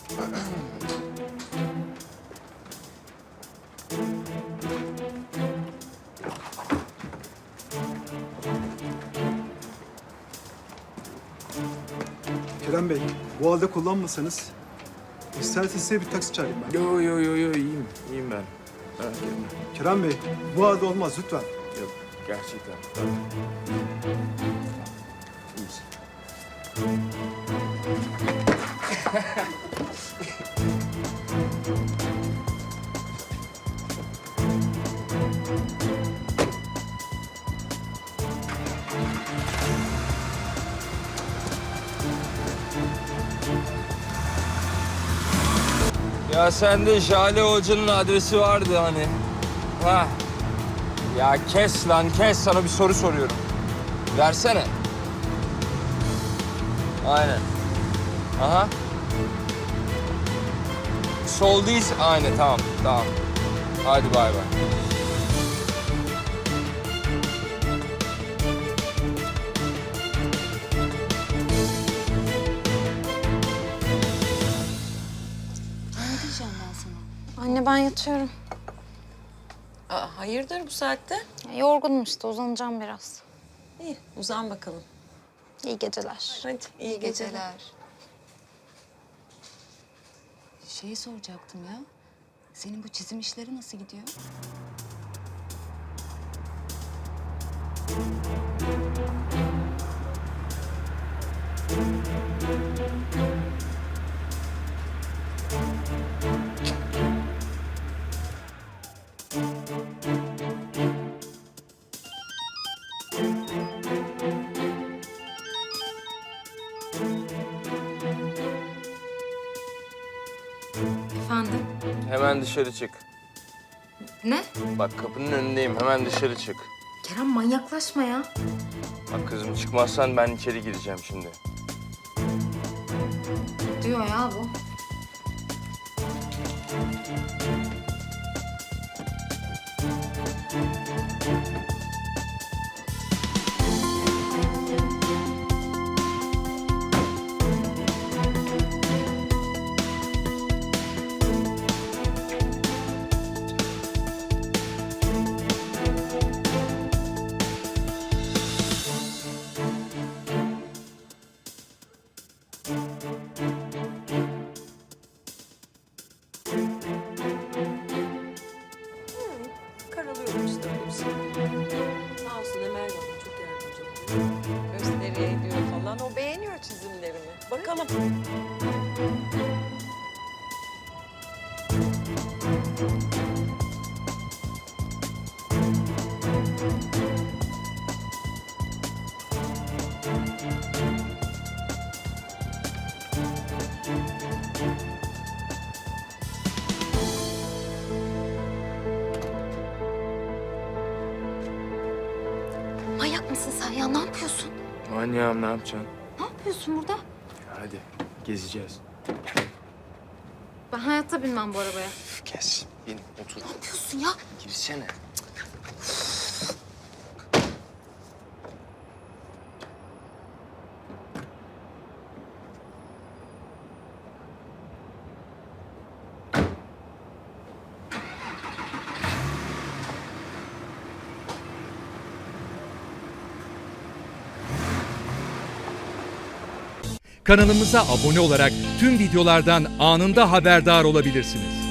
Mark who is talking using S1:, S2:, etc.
S1: Kerem Bey, bu halde kullanmasanız isterseniz size bir taksi çağırayım ben.
S2: Yo iyiyim ben. Merak etme.
S1: Kerem Bey, bu halde olmaz lütfen.
S2: Yok gerçekten. Tamam. İyiyiz. Ya sende Jale Hoca'nın adresi vardı hani. Ha. Ya kes lan kes, sana bir soru soruyorum. Versene. Aynen. Aha. Sol değil. Aynen tamam. Hadi bay bay.
S3: Ne diyeceğim ben sana?
S4: Anne ben yatıyorum.
S3: Aa, hayırdır bu saatte?
S4: Yorgunum işte, uzanacağım biraz.
S3: İyi, uzan bakalım.
S4: İyi geceler.
S3: Hadi, iyi geceler.
S5: Şeyi soracaktım ya. Senin bu çizim işleri nasıl gidiyor?
S4: Efendim?
S2: Hemen dışarı çık.
S4: Ne?
S2: Bak kapının önündeyim. Hemen dışarı çık.
S4: Kerem manyaklaşma ya.
S2: Bak kızım, çıkmazsan ben içeri gireceğim şimdi.
S4: Diyor ya bu.
S3: Karalıyorum işte öyle bir şey. Sağ olsun Emel bana çok yardımcı oluyor. Gösteriye ediyor falan. O beğeniyor çizimlerimi. Bakalım.
S4: Manyak mısın sen ya? Ne yapıyorsun?
S2: Manyağım, ne yapacaksın?
S4: Ne yapıyorsun burada?
S2: Hadi gezeceğiz.
S4: Ben hayatta binmem bu arabaya.
S2: Kes. İn, otur.
S4: Ne yapıyorsun ya?
S2: Girsene.
S6: Kanalımıza abone olarak tüm videolardan anında haberdar olabilirsiniz.